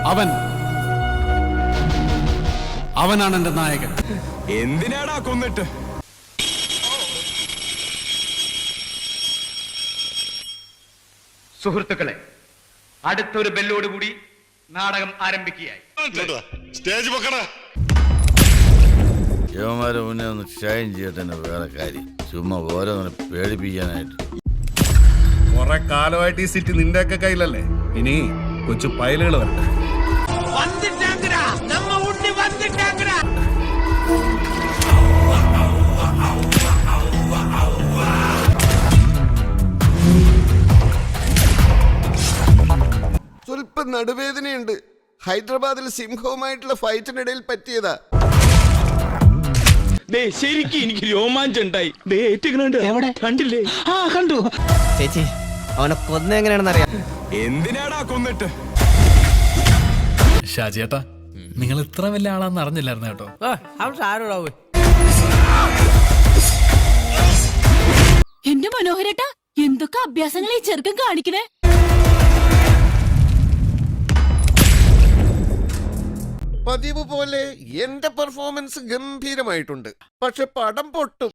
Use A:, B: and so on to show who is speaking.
A: അവനാണ് എന്റെ നായകൻ.
B: എന്തിനാടാ കൊന്നിട്ട്?
C: സുഹൃത്തുക്കളെ, അടുത്തൊരു ബെല്ലോടുകൂടി നാടകം ആരംഭിക്കുകയായി.
D: സ്റ്റേജ് വെക്കടാ.
E: യുവമാരെ മുന്നേ ഒന്ന് ഷൈൻ ചെയ്യട്ടെ. വേറെ കാര്യം ചുമ്മാ ഓരോന്നിനെ പേടിപ്പിക്കാനായിട്ട്.
A: കുറെ കാലമായിട്ട് ഈ സിറ്റി നിന്റെ ഒക്കെ കയ്യിലല്ലേ? ഇനി കൊച്ചു പയലുകൾ വരട്ടെ.
F: സ്വല്പം നടുവേദനയുണ്ട്. ഹൈദരാബാദിൽ സിംഹവുമായിട്ടുള്ള ഫൈറ്റിനിടയിൽ പറ്റിയതാ.
B: ശരിക്കും എനിക്ക് രോമാഞ്ചം ഉണ്ടായി. എവിടെ കണ്ടില്ലേ?
G: കണ്ടു ചേച്ചി. അവനെ കൊന്ന എങ്ങനെയാണെന്ന് അറിയാം.
B: എന്തിനാടാ കൊന്നിട്ട്?
H: ഷാജിയേട്ടാ, നിങ്ങൾ ഇത്ര വലിയ ആളാന്ന് അറിഞ്ഞില്ലായിരുന്നു കേട്ടോ.
I: എന്റെ മനോഹരേട്ടാ, എന്തൊക്കെ അഭ്യാസങ്ങൾ ഈ ചെറുക്കൻ കാണിക്കണേ.
F: പതിവ് പോലെ എന്റെ പെർഫോമൻസ് ഗംഭീരമായിട്ടുണ്ട്. പക്ഷെ പടം പൊട്ടും.